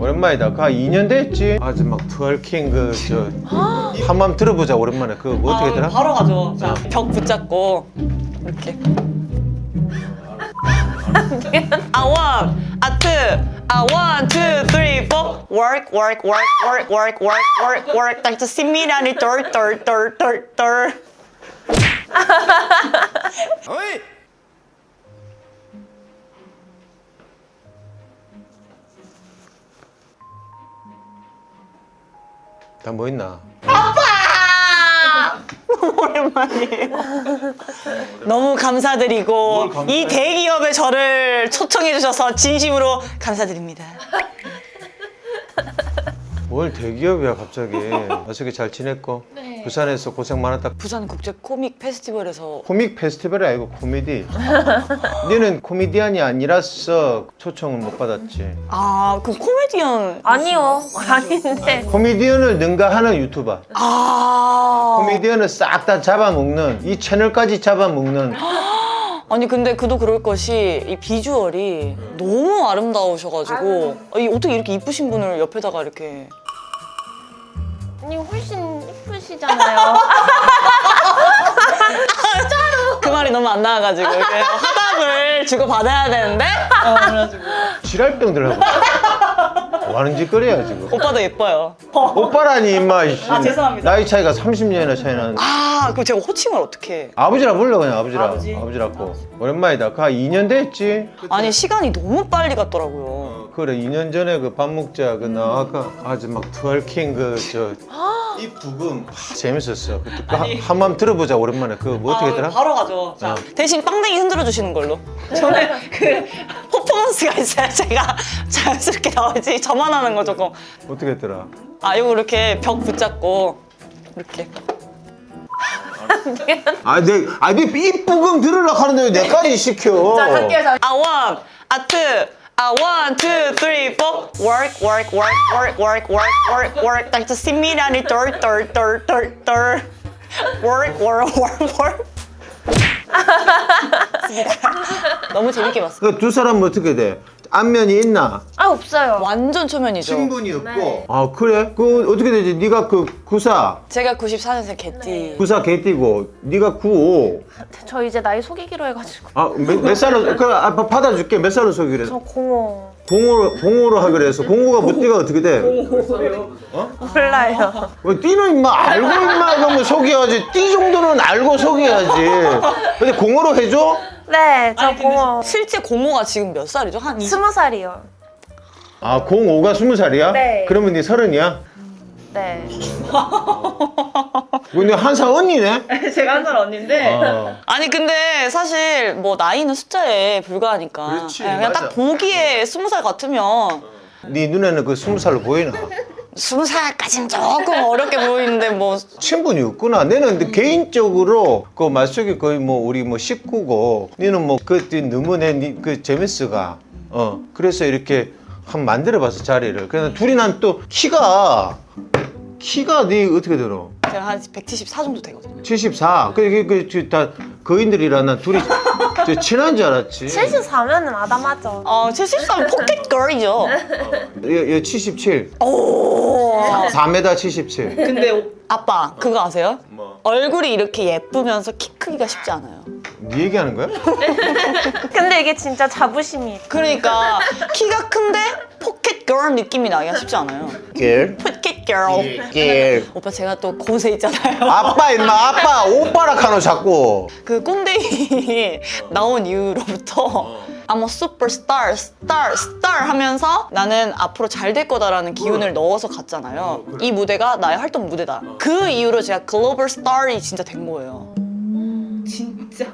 오랜만이다. 그 2년 됐지? 아주 막 트월킹 한번 들어보자 오랜만에. 그거 뭐 어떻게 되나? 바로 가죠. 자, 벽 붙잡고 이렇게. 아, one, two, three, four. Work. 딱 저 신미란이 덜. 어이! 다 뭐 있나? 오랜만이에요. 너무 감사드리고 이 대기업에 저를 초청해 주셔서 진심으로 감사드립니다. 뭘 대기업이야 갑자기. 어떻게 잘 지냈고? 네. 부산에서 고생 많았다. 부산 국제 코믹 페스티벌에서 코믹 페스티벌이 아니고 코미디. 너는 코미디언이 아니라서 초청을 못 받았지. 그 코미디언 아니요, 아닌데. 코미디언을 능가하는 유튜버. 코미디언을 싹 다 잡아먹는, 이 채널까지 잡아먹는. 아니 근데 그도 그럴 것이 이 비주얼이 너무 아름다우셔가지고 어떻게 이렇게 이쁘신 분을 옆에다가 이렇게 아니, 훨씬 이쁘시잖아요. 그 말이 너무 안 나와가지고 이렇게 화답을 주고 받아야 되는데 그래가지고 지랄병들 하고. 뭐 하는 짓거리야 지금. 오빠도 예뻐요. 오빠라니 임마. 죄송합니다. 나이 차이가 30년이나 차이 나는. 그럼 제가 호칭을 어떻게 아버지라 불러 그냥 아버지라. 아버지. 아버지라고. 오랜만이다. 그 2년 됐지. 아니 시간이 너무 빨리 갔더라고요. 그래 2년 전에 그 밥 먹자 그 나 아까 아주 막 트월킹 이 부금 재밌었어. 그때 한번 들어보자 오랜만에. 그거 뭐 어떻게 했더라? 바로 가죠. 자, 대신 빵댕이 흔들어 주시는 걸로. 저는 그 퍼포먼스가 있어요. 제가 자연스럽게 나오지 저만 하는 거 조금. 어떻게 했더라? 요거 이렇게 벽 붙잡고 이렇게. 이 부금 들으려고 하는데 왜 내까지 시켜? 자, 갈게요. one, two, three, four. Work. 딱 저 신미란이 덜. Work. 너무 재밌게 봤어요. 그 두 사람은 어떻게 돼? 안면이 있나? 아, 없어요. 완전 초면이죠. 친분이 없고. 네. 아 그래? 그 어떻게 되지? 네가 그 94 제가 94년생 개띠. 94 개띠고 네가 95. 저 이제 나이 속이기로 해가지고. 몇 살로? 그 받아줄게. 몇 살로 속이래? 저 05. 공호로 하기로 해서. 공호가 뭐 띠가 어떻게 돼? 몰라요. 왜 띠는 임마 알고 임마 그러면 속여야지. 띠 정도는 알고 속여야지. 근데 공호로 해줘? 네, 저 05. 실제 공호가 지금 몇 살이죠? 한 20? 20살이요. 아 05가 20살이야? 네. 그러면 네 30이야? 네. 근데 한 살 언니네? 제가 한 살 언니인데. 아. 아니 근데 사실 뭐 나이는 숫자에 불과하니까. 그렇지, 그냥 맞아. 딱 보기에 20살 같으면 네 눈에는 그 20살로 보이나? 20살까지는 조금 어렵게 보이는데 뭐 친분이 없구나. 내는 근데 개인적으로 그 말속이 거의 뭐 우리 뭐 식구고, 너는 뭐 그 너무 그 재밌어가. 그래서 이렇게 한번 만들어봤어 자리를. 그래서 둘이 난 또 키가 네 어떻게 들어? 제가 한 174 정도 되거든요. 74. 다 거인들이라 난 둘이 친한 줄 알았지. 74면은 아담하죠. 73은 포켓걸이죠. 얘 77. 오. 4m 77. 근데 아빠 그거 아세요? 뭐? 얼굴이 이렇게 예쁘면서 키 크기가 쉽지 않아요. 네 얘기하는 거야? 근데 이게 진짜 자부심이 있다. 그러니까 키가 큰데 포켓걸 느낌이 나기가 쉽지 않아요. 길. 포켓걸. 길. 오빠 제가 또 고세 있잖아요. 아빠 임마 아빠 오빠라 카노 자꾸. 그 꼰대이 나온 이후로부터 I'm a superstar, star 하면서 나는 앞으로 잘 될 거다라는 기운을 넣어서 갔잖아요. 이 무대가 나의 활동 무대다. 그 이후로 제가 글로벌 스타이 진짜 된 거예요. 진짜?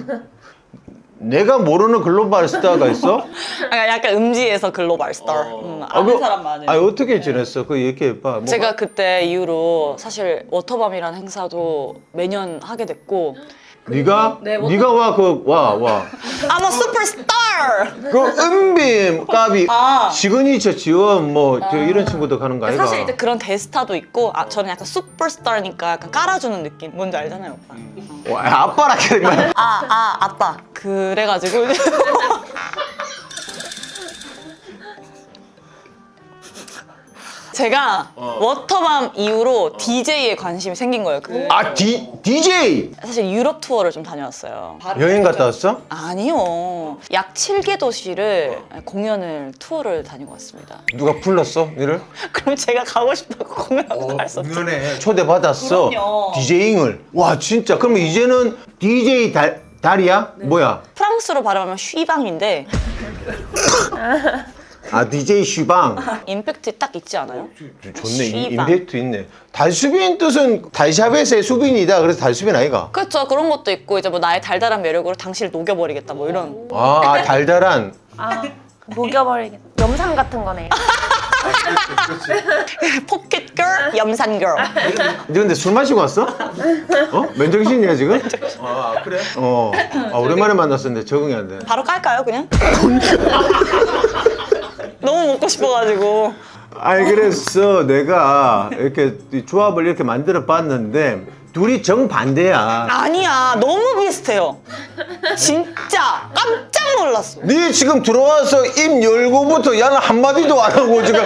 내가 모르는 글로벌 스타가 있어? 약간 음지에서 글로벌 스타. 아는 사람만은. 어떻게 지냈어? 그 얘기해봐. 뭐, 제가 그때 이후로 사실 워터밤이라는 행사도 매년 하게 됐고 네가? 네, 뭐- 네가 와 I'm a superstar! 그 은빔 까비 시그니처 지원 뭐 이런 친구도 가는 거 아이가? 사실 이제 그런 대스타도 있고 저는 약간 슈퍼스타니까 약간 깔아주는 느낌 뭔지 알잖아요 오빠. 와, 아빠라 그러면. 아빠 그래가지고 제가 워터밤 이후로 DJ에 관심이 생긴 거예요. DJ 사실 유럽 투어를 좀 다녀왔어요. 여행 갔다 왔어? 아니요. 약 7개 도시를 공연을 투어를 다니고 왔습니다. 누가 불렀어? 니를? 그럼 제가 가고 싶다고 공연하고 갈 수 없죠. 공연에 초대받았어. 그럼요. DJ잉을. 와 진짜. 그러면 이제는 DJ 달이야? 뭐야? 프랑스로 발음하면 쉬방인데 DJ 슈방. 임팩트 딱 있지 않아요? 좋네. 슈방. 임팩트 있네. 달수빈 뜻은 달샤벳의 수빈이다. 그래서 달수빈 아이가? 그렇죠. 그런 것도 있고 이제 뭐 나의 달달한 매력으로 당신을 녹여버리겠다 뭐 이런. 달달한. 녹여버리겠다. 염산 같은 거네요. 포켓걸, 염산걸. 너 근데 술 마시고 왔어? 맨정신이야 지금? 그래? 오랜만에 만났었는데 적응이 안 돼. 바로 깔까요 그냥? 너무 먹고 싶어가지고. 그래서 내가 이렇게 조합을 이렇게 만들어 봤는데 둘이 정반대야. 아니야 너무 비슷해요. 진짜 깜짝 놀랐어. 네 지금 들어와서 입 열고부터 야는 한마디도 안 하고 지금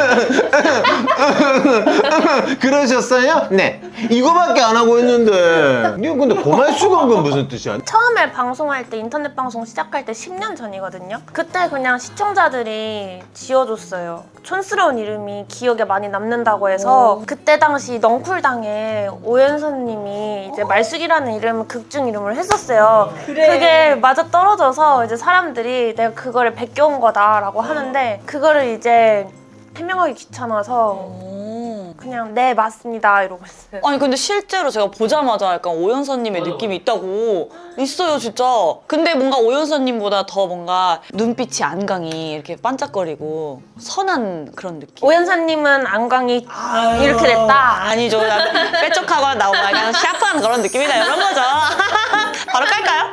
그러셨어요? 네. 이거밖에 안 하고 있는데 니 근데 고말수건 건 무슨 뜻이야? 처음에 방송할 때 인터넷 방송 시작할 때 10년 전이거든요. 그때 그냥 시청자들이 지어줬어요. 촌스러운 이름이 기억에 많이 남는다고 해서 그때 당시 넝쿨당에 오연선님이 이제 말숙이라는 이름 극중 이름을 했었어요. 그게 맞아 떨어져서 이제 사람들이 내가 그거를 베껴온 거다라고 하는데 그거를 이제 해명하기 귀찮아서 그냥 네 맞습니다 이러고 있어요. 아니 근데 실제로 제가 보자마자 약간 오연서님의 느낌이 있어요 진짜. 근데 뭔가 오연서님보다 더 뭔가 눈빛이 안강이 이렇게 반짝거리고 선한 그런 느낌. 오연선님은 안광이 이렇게 됐다. 아니죠. 빼쪽하고 나오고 그냥 샤프한 그런 느낌이다 이런 거죠. 바로 깔까요?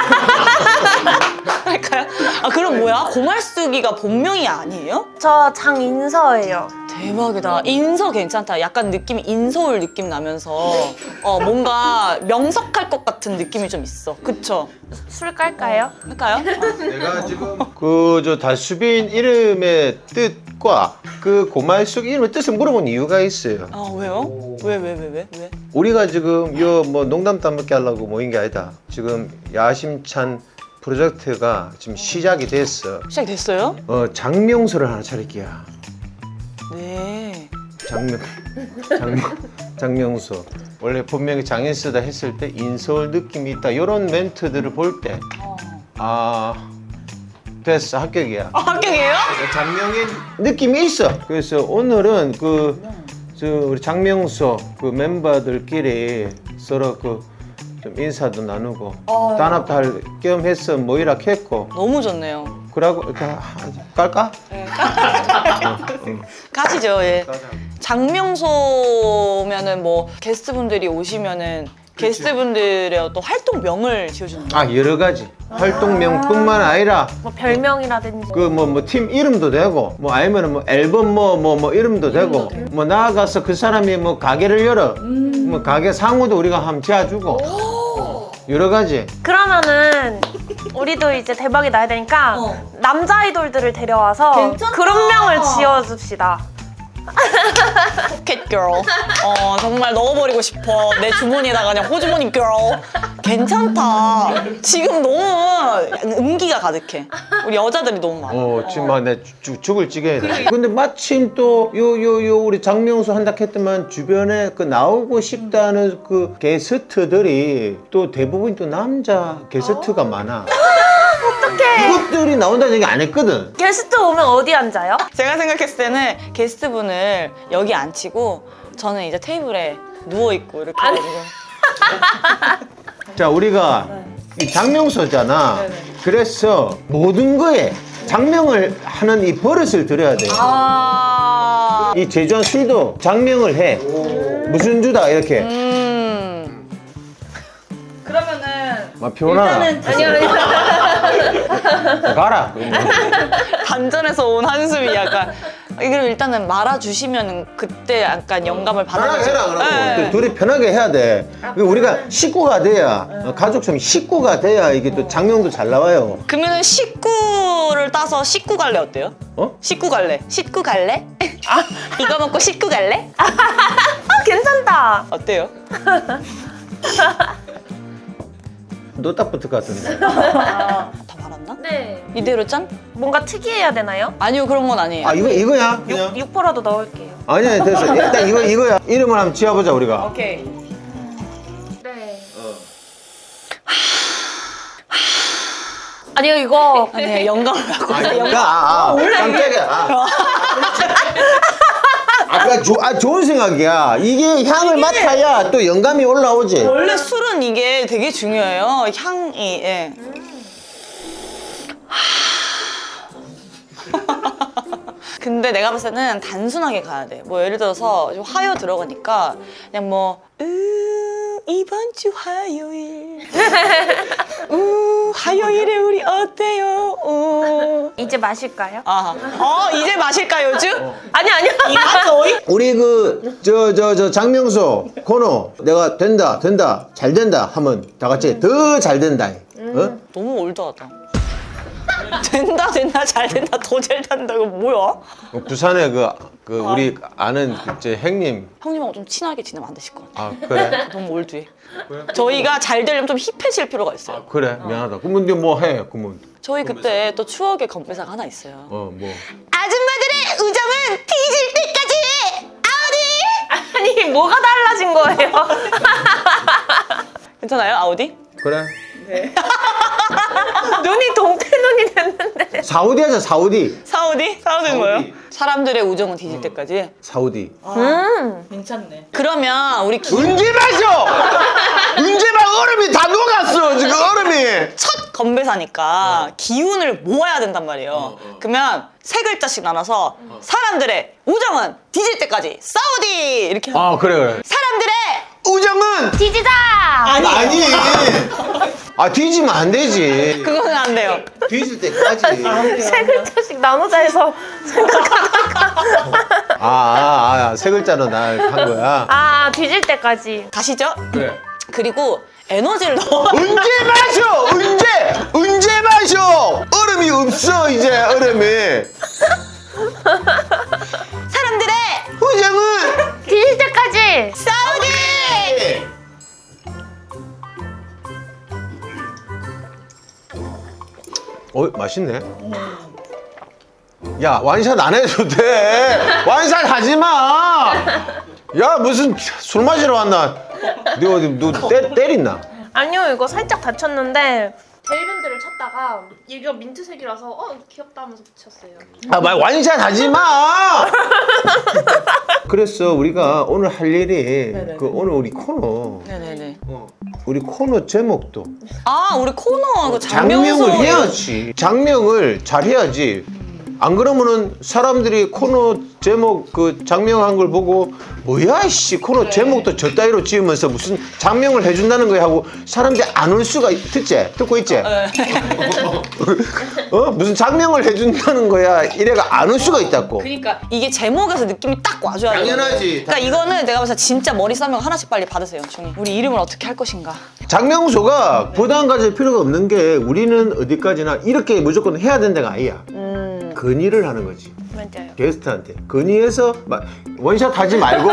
깔까요? 그럼 뭐야? 고말숙이가 본명이 아니에요? 저 장인서예요. 대박이다. 인서 괜찮다. 약간 느낌이 인서울 느낌 나면서 뭔가 명석할 것 같은 느낌이 좀 있어. 그쵸? 술 깔까요? 할까요? 내가 지금 저 달수빈 이름의 뜻과 그 고말숙 이름의 뜻을 물어본 이유가 있어요. 왜요? 왜? 우리가 지금 뭐 농담 따먹게 하려고 모인 게 아니다. 지금 야심찬 프로젝트가 지금 시작이 됐어. 시작됐어요? 장명소를 하나 차릴게요. 네. 장명소. 원래 본명이 장인수다 했을 때 인서울 느낌이 있다. 이런 멘트들을 볼 때 됐어 합격이야. 합격이에요? 장명의 느낌이 있어. 그래서 오늘은 우리 장명소 그 member들끼리 서로 좀 인사도 나누고 단합도 할 겸 해서 모이라 했고 너무 좋네요. 그러고 이렇게 깔까? 네. 가시죠. 예. 장명소면은 뭐 게스트분들이 오시면은 게스트분들의 또 활동명을 지어주는 거예요. 여러 가지 활동명뿐만 아니라 뭐 별명이라든지 뭐 팀 이름도 되고 뭐 아니면 뭐 앨범 뭐 이름도 되고 뭐 나아가서 그 사람이 뭐 가게를 열어 뭐 가게 상호도 우리가 한번 지어주고 여러 가지. 그러면은 우리도 이제 대박이 나야 되니까 남자 아이돌들을 데려와서 괜찮다. 그런 명을 지어줍시다. 포켓걸. 정말 넣어버리고 싶어. 내 주머니에다가 그냥 호주머니 걸. 괜찮다. 지금 너무 음기가 가득해. 우리 여자들이 너무 많아. 지금 막 내 죽을 찌게 해. 근데 마침 또 우리 장명수 한다 했더만 주변에 나오고 싶다는 그 게스트들이 또 대부분 또 남자 게스트가 많아. 어떡해. 이것들이 나온다는 얘기 안 했거든. 게스트 오면 어디 앉아요? 제가 생각했을 때는 게스트분을 여기 앉히고 저는 이제 테이블에 누워있고 이렇게 해가지고. 자, 우리가 이 장명소잖아. 그래서 모든 거에 장명을 하는 이 버릇을 들여야 돼. 이 제주한 술도 장명을 해. 무슨 주다 이렇게. 그러면은 피곤하나? 아니요. 가라. 반전에서 온 한숨이 약간 이걸 일단은 말아주시면 그때 약간 영감을 편하게 받아보죠. 해라 그러고 네. 둘이 편하게 해야 돼. 우리가 식구가 돼야 가족처럼 식구가 돼야 이게 또 장명도 잘 나와요. 그러면 식구를 따서 식구 갈래 어때요? 어? 식구 갈래? 식구 갈래? 이거 먹고 식구 갈래? 괜찮다. 어때요? 너 딱 붙을 것 같은데. 다 말았나? 네. 이대로 짠? 뭔가 특이해야 되나요? 아니요 그런 건 아니에요. 아 이거야 그냥. 6%라도 넣을게요. 아니야 됐어. 일단 이거야. 이름을 한번 지어보자 우리가. 오케이. 네. 아니요 이거 아니 영감을 받고 깜짝이야. 좋은 생각이야. 이게 향을 맡아야 또 영감이 올라오지. 원래 술은 이게 되게 중요해요. 향이. 예. 근데 내가 봤을 때는 단순하게 가야 돼. 뭐 예를 들어서 좀 화요 들어가니까 그냥 뭐 이번 주 화요일 화요일에 우리 어때요? 이제 마실까요? 이제 마실까요, 주? 아니요. 우리 저 장명수 코너 내가 된다 잘 된다 하면 다 같이 더 잘 된다. 어? 너무 올드하다. 된다 잘 된다 더 잘 된다 이거 뭐야? 부산에 우리 아는 제 형님. 형님하고 좀 친하게 지내면 안 되실 것 같아. 아 그래? 너무 올드해. 저희가 잘 되려면 좀 힙해질 필요가 있어요. 그래 미안하다. 그러면 이제 뭐 해? 그러면 저희 그때 또 추억의 건배사가 하나 있어요. 뭐 아줌마들의 우정은 뒤질 때까지 아우디! 아니 뭐가 달라진 거예요? 괜찮아요 아우디? 그래? 눈이 동태 눈이 됐는데. 사우디 하자 사우디. 사우디는 뭐예요? 사람들의 우정은 뒤질 때까지. 사우디. 괜찮네. 그러면 우리 언제 마셔? 언제 막 얼음이 다 녹았어 지금 얼음이. 첫 건배사니까 기운을 모아야 된단 말이에요. 그러면 세 글자씩 나눠서 사람들의 우정은 뒤질 때까지 사우디 이렇게 하면 아 그래. 사람들의 우정은 뒤지자. 아니. 뒤지면 안 되지. 그거는 안 돼요. 뒤질 때까지. 세 글자씩 나누자 해서 세 글자로 날 한 거야. 뒤질 때까지. 가시죠? 그래. 그리고 에너지를 넣어. 언제 마셔? 언제 마셔? 얼음이 없어 이제 얼음이. 사람들의 우정은 뒤질 때까지. 사우디! 맛있네. 야 완샷 안 해도 돼. 완샷 하지 마. 야 무슨 술 마시러 왔나? 너 때렸나? 아니요 이거 살짝 다쳤는데 젤밴드를 쳤다가 이거 민트색이라서 귀엽다 하면서 붙였어요. 완샷 하지 마. 그래서 우리가 오늘 할 일이 오늘 우리 코너. 네네네. 우리 코너 제목도 우리 코너 그 장명을 장명소 해야지. 장명을 잘 해야지. 안 그러면은 사람들이 코너 제목 장명한 걸 보고 뭐야 씨 코너 제목도 저 따위로 지으면서 무슨 장명을 해준다는 거야 하고 사람들이 안 올 수가 듣고 있지? 무슨 장명을 해준다는 거야 이래가 안 올 수가 있다고. 그러니까 이게 제목에서 느낌이 딱 와줘야 돼. 당연하지. 그러니까 이거는 내가 봤을 때 진짜 머리 싸면 하나씩 빨리 받으세요. 종이. 우리 이름을 어떻게 할 것인가. 장명소가 부담 가질 필요가 없는 게 우리는 어디까지나 이렇게 무조건 해야 된다가 아니야. 건의를 하는 거지. 맞아요. 게스트한테 건의해서 원샷 하지 말고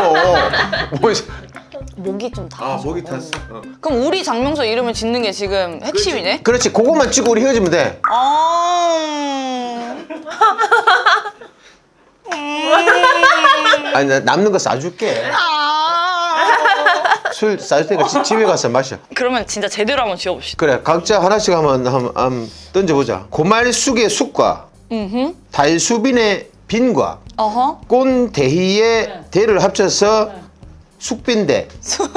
목이 좀 다. 목이 탔어. 그럼 우리 장명소 이름을 짓는 게 지금 핵심이네. 그렇지. 그거만 치고 우리 헤어지면 돼. 아니 나 남는 거 싸줄게. 술 싸줄 테니까 집에 가서 마셔. 그러면 진짜 제대로 한번 지어봅시다. 그래 각자 하나씩 한번 던져보자. 고말숙의 숙과 달수빈의 빈과 어허. 꼰대희의 대를 합쳐서 숙빈대.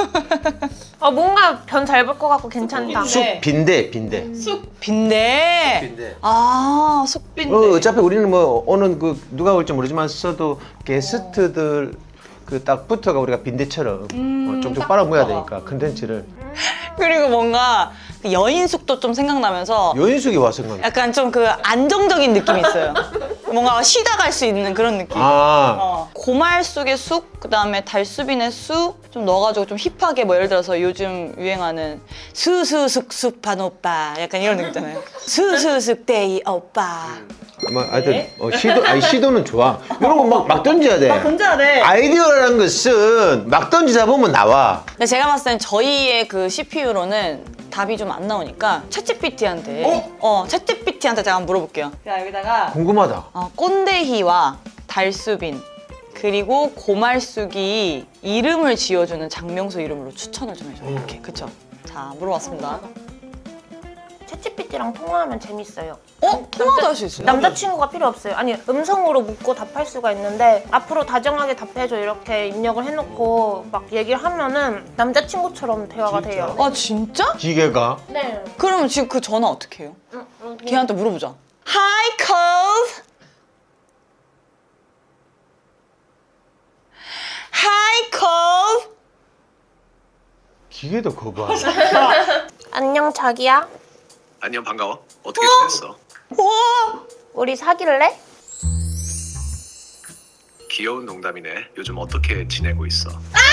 뭔가 변 잘 볼 것 같고 괜찮다. 숙빈대. 빈대. 숙빈대. 어차피 우리는 뭐 오늘 누가 올지 모르지만 써도 게스트들 딱 붙어가 우리가 빈대처럼 쪽쪽 빨아모아야 되니까 컨텐츠를. 그리고 뭔가 그 여인숙도 좀 생각나면서 여인숙이 와서 생각. 약간 좀 그 안정적인 느낌이 있어요. 뭔가 쉬다 갈 수 있는 그런 느낌. 고말숙의 숙, 그다음에 달수빈의 수 좀 넣어가지고 좀 힙하게 뭐 예를 들어서 요즘 유행하는 수수숙숙한 오빠 약간 이런 느낌 있잖아요. 수수숙데이 오빠. 하여튼 시도는 좋아. 이런 거 막 던져야 돼. 던져야 돼. 아이디어라는 것은 막 던지다 보면 나와. 근데 제가 봤을 땐 저희의 그 CPU로는 답이 좀 안 나오니까 챗GPT한테 챗GPT한테 제가 한번 물어볼게요. 자, 여기다가 궁금하다. 꼰대희와 달수빈 그리고 고말숙이 이름을 지어주는 장명수 이름으로 추천을 좀 해줘요. 이렇게 그쵸? 자, 물어봤습니다. 챗GPT랑 통화하면 재밌어요. 통화도 할 수 있어요? 남자친구가 필요 없어요. 아니, 음성으로 묻고 답할 수가 있는데 앞으로 다정하게 답해줘 이렇게 입력을 해놓고 막 얘기를 하면은 남자친구처럼 대화가 돼요. 아, 진짜? 기계가? 네. 그러면 지금 그 전화 어떻게 해요? 걔한테 물어보자. Hi, Cove. Hi, Cove. 기계도 거부하네. 안녕 자기야. 안녕 반가워. 어떻게 지냈어? 우와. 우리 사귈래? 귀여운 농담이네. 요즘 어떻게 지내고 있어?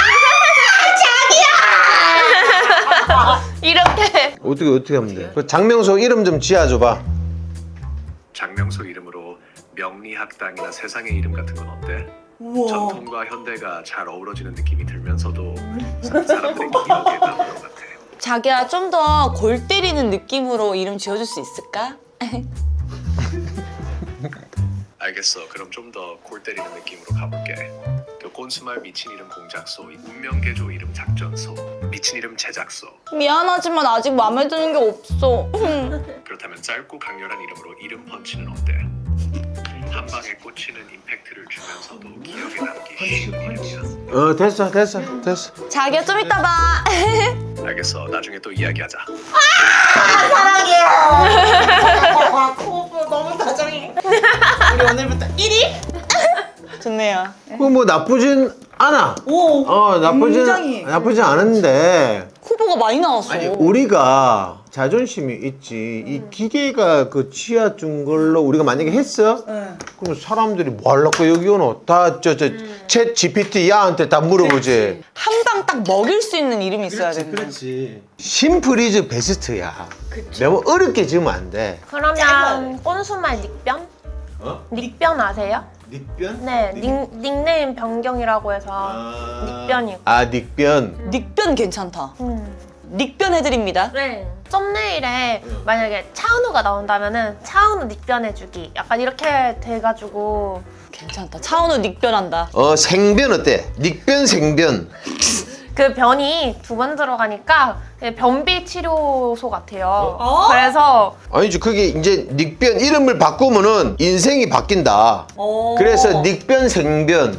이렇게. 어떻게 하면 돼? 그 장명수 이름 좀 지어줘봐. 장명수 이름으로 명리학당이나 세상의 이름 같은 건 어때? 우와. 전통과 현대가 잘 어우러지는 느낌이 들면서도 사람들의 기억에 남는 것 같아. 자기야, 좀 더 골 때리는 느낌으로 이름 지어줄 수 있을까? 알겠어. 그럼 좀 더 골 때리는 느낌으로 가볼게. 그 꼰수말 미친 이름 공작소, 운명개조 이름 작전소, 미친 이름 제작소. 미안하지만 아직 마음에 드는 게 없어. 그렇다면 짧고 강렬한 이름으로 이름 펀치는 어때? 한 방에 꽂히는 임팩트를 주면서도 기억에 남기 쉬운 이름이야. 됐어. 자기야, 좀 이따 봐. 알겠어. 나중에 또 이야기하자. 우리 오늘부터 1위? 좋네요. 뭐 나쁘진 않아. 나쁘진 않은데 후보가 많이 나왔어. 우리가 자존심이 있지. 이 기계가 그 치아준 걸로 우리가 만약에 했어? 그럼 사람들이 뭐 하려고 여기 오노? 다 챗 GPT 야한테 다 물어보지. 한 방 딱 먹일 수 있는 이름이 있어야 되는 거지. 심플이즈 베스트야. 너무 어렵게 지으면 안 돼. 그러면 꼰수말 닉변? 닉변 아세요? 닉변? 네, 닉네임 변경이라고 해서 닉변이고. 닉변. 닉변 괜찮다. 닉변 해드립니다. 네. 썸네일에 만약에 차은우가 나온다면은 차은우 닉변해주기 약간 이렇게 돼가지고. 괜찮다. 차은우 닉변한다. 생변 어때? 닉변 생변. 그 변이 2번 들어가니까 변비 치료소 같아요. 그래서 아니지, 그게 이제 닉변 이름을 바꾸면은 인생이 바뀐다. 그래서 닉변 생변.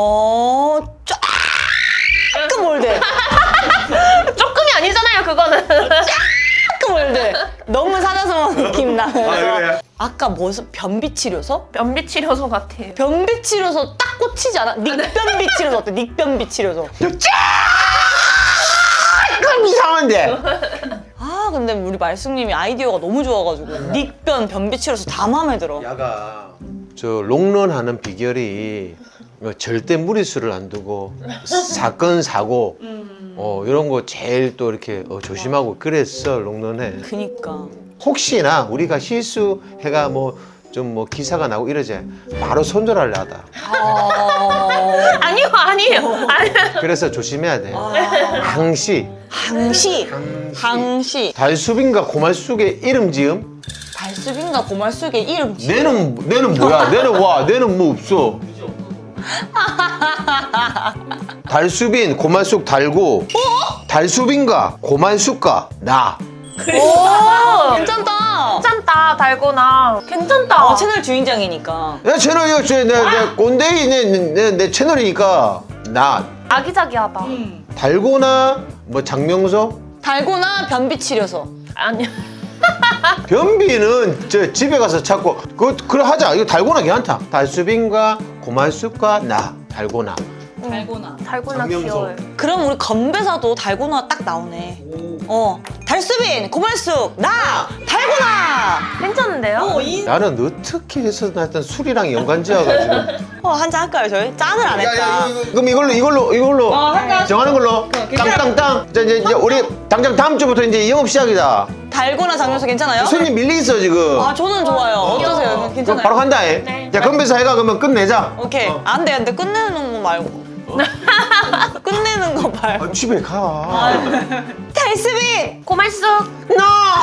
조금 올드. 조금이 아니잖아요, 그거는. 조금 올드. 너무 사자성어 느낌 나면서. 그래? 아까 무슨 변비 치료소? 변비 치료소 같아요. 변비 치료소 딱 꽂히지 않아? 닉변비 치료소 어때? 닉변비 치료소. 그럼 이상한데. 아, 근데 우리 말숙님이 아이디어가 너무 좋아가지고 닉변, 변비 치료소 다 마음에 들어. 야가 저 롱런하는 비결이 절대 무리수를 안 두고 사건 사고 이런 거 제일 또 이렇게 조심하고 그랬어 롱런해. 그니까. 혹시나 우리가 실수해가 좀 기사가 나고 이러지 바로 손절하려 하다. 아니요. 그래서 조심해야 돼. 항시. 항시. 달수빈과 고말숙의 이름 지음? 달수빈과 고말숙의 이름 지 내는 뭐야? 내는 뭐 없어. 달수빈, 고말숙 달고. 달수빈과 고말숙과 나. 오, 괜찮다. 괜찮다, 달고나. 괜찮다. 채널 주인장이니까. 내 채널이요. 내 꼰대이 내 채널이니까 나. 아기자기하다. 달고나 장명서? 달고나 변비 치료소. 아니요. 변비는 저 집에 가서 찾고 그래 하자. 이거 달고나 괜찮다. 달수빈과 고말숙과 나 달고나. 달고나. 달고나 장명소. 귀여워요. 그럼 우리 건배사도 달고나 딱 나오네. 달수빈, 고말숙, 나, 달고나! 달고나. 괜찮은데요? 나는 어떻게 해서 하여튼 술이랑 연관지어가지고. 한잔 할까요 저희? 짠을 안 했다. 그럼 이걸로 정하는 걸로. 땅땅땅. 자, 이제 우리 당장 다음 주부터 이제 영업 시작이다. 달고나 장면서 괜찮아요? 손님 밀리 있어 지금. 아 저는 좋아요. 어떠세요? 그럼 괜찮아요? 바로 간다. 네. 자, 건배사 해가 그러면 끝내자. 오케이. 안 돼. 끝내는 거 말고. 끝내는 거 말고. 집에 가. 달스빗! 고말숙 No!